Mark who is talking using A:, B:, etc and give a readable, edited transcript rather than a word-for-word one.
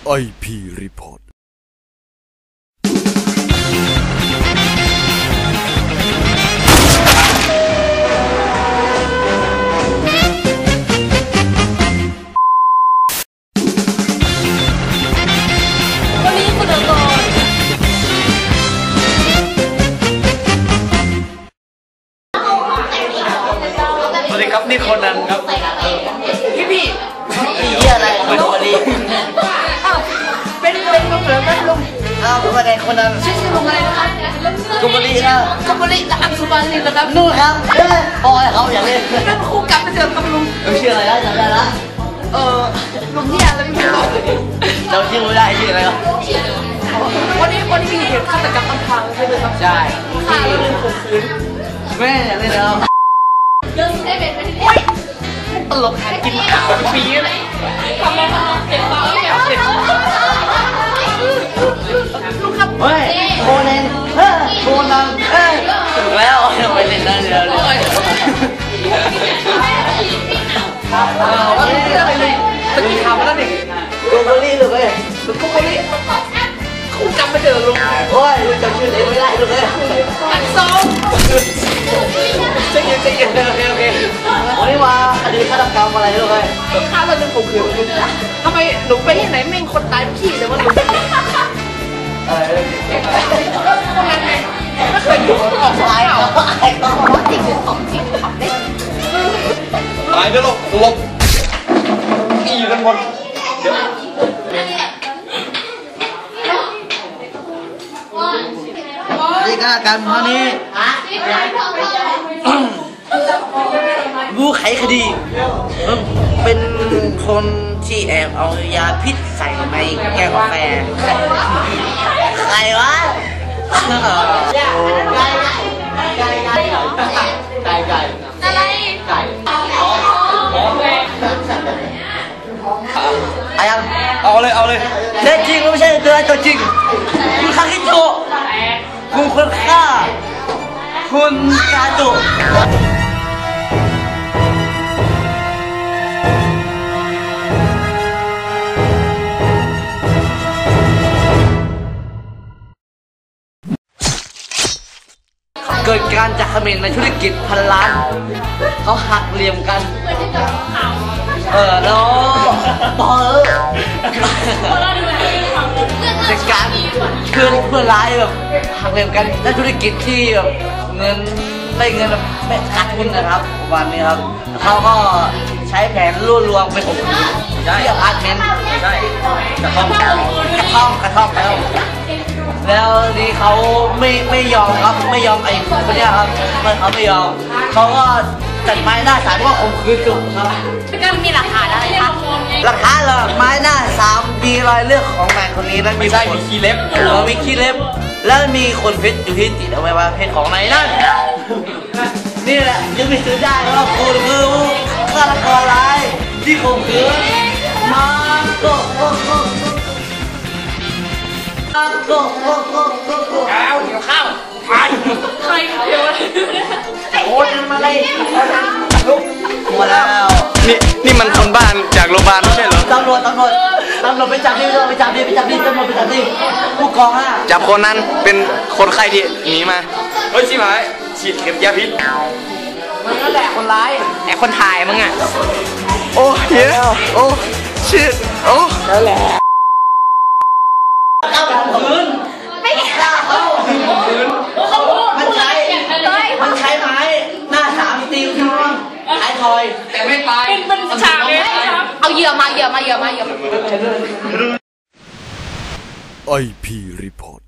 A: IP Report
B: สวัสดีครับนี่คนนั้นครับพี่
C: เยี่ยอะไรไม่รู้ดี
B: เป็นก็เหมือนกันลุง
C: ว่าไงคนนั้น
B: ชื่อลุงอะไรนะครับ
C: กุบลีนะ
B: กุบลีกับอังสุบาลีนะครับ
C: นู่นครับปอยเขาอย่างนี้
B: นั่นคู่กับไปเจอกับลุง
C: ชื่ออะไรนะจำได้ละ
B: ลุงเฮียอะไรไม่รู้
C: เราชื่อไม่ได้ชื่ออะไรครับ
B: วันนี้มีเหตุฆาตกรรมอำพรางใช่ไหมครับ
C: ใช่
B: ฆ่าแล้วลืมข่มขืน
C: แม่อย่างนี้แล้ว
B: เรื่องได้เป็นไหมตลกหากินข่าวปีเลยทำไมเจ็บปากไม่เจ็บลูกครับ
C: เฮ้ยโคเนนโคนันถูกแล้วไปเล่นนั่นเดี๋ยว
B: วันนี้อะไรเลยตะกี้ข่าวมาแล้วนี่
C: กุบลีถูกเลย
B: กุบลีคู่จำไม่เจอลุง
C: โอ้ยลุงจำชื่อเองไม่ได้ถูกเลย
B: อันสอง
C: ใจเย็นโอเควันนี้มาคดีฆาตกรรมอะไรลูกเอ้ย
B: ฆ่าแล้วลืมข่มขืนทำไมหนูไปที่ไหนแม่งคนตายขี้เลยว่าหนูคนนั้นไงไม่เคยดูออกซ้ายอ่ะ
C: ไอ้ก็ว่าจริง
B: ของจริงทำได้
A: ตายไปหรอกลบอีกันหมด
C: นี่ก็การครั้งนี้ผู้ไขคดีเป็นคนที่แอบเอายาพิษใส่ในแก้วกาแฟใครวะไก่
B: อะไร
C: อายัง
A: เอาเลย
C: เด็ดจริงไม่ใช่ตัวจริงคุณคาคิโตะคุณคนฆ่าคุณกาโตะเกิดการจักเขม่นในธุรกิจพันล้านเขาหักเหลี่ยมกันแล้วพอจากการเพื่อนร้ายแบบหักเหลี่ยมกันในธุรกิจที่แบบเงินแบบไม่ขาดทุนนะครับวันนี้ครับเขาก็ใช้แผนล่วงลวงไปข่มขืนที่อพาร์ตเมนต์
A: ใช่กระท่อม
C: แล้วนี่เขาไม่ยอมครับไม่ยอมไอ้คนนี้ครับเขาไม่ยอมเขาก็จัดไม้หน้าศาลว่าข่มขืนจุกครับ
B: ก็มีหลักฐานอะไรคะ
C: หลักฐานเหรอไม้หน้า3มีรอยเลือดของแมนคนนี้แล้ว
A: มีขี้เล็บ
C: มีขี้เล็บแล้วมีคนเพชรอยู่ที่ติดเอาไว้ว่าเพชรของไหนนั่นนี่แหละยังไม่ซื้อได้ว่าคุณคือฆาตกรร้ายที่ข่มขืนมาโก
B: เอาเดี๋ยวข้าวใครเดี๋ยว
C: โอ้ยมาเลยลุกมาแล้ว
A: นี่มันคนบ้านจากโรงพยาบาลไม่ใช่เหรอ
C: ตำรวจไปจับดิตำรวจไปจับดิผู้กอง
A: จับคนนั้นเป็นคนไข้ที่หนีมาเฮ้ยชิบหายฉีดเข็มยาพิษ
B: มันก็แหละคนร้ายแต่คนถ่ายมึงอ่ะ
A: โอ้เฮ้ยโอ้ชิดโอ้
C: แล้วแหละเอาคืน
B: ไม่เอา
C: คืนมันใช้ไม้หน้า3ตีท้องท้ายทอย
A: แต่ไม่ตาย
B: เป็นฉากเลยเอาเหยื่อมา
A: IP Report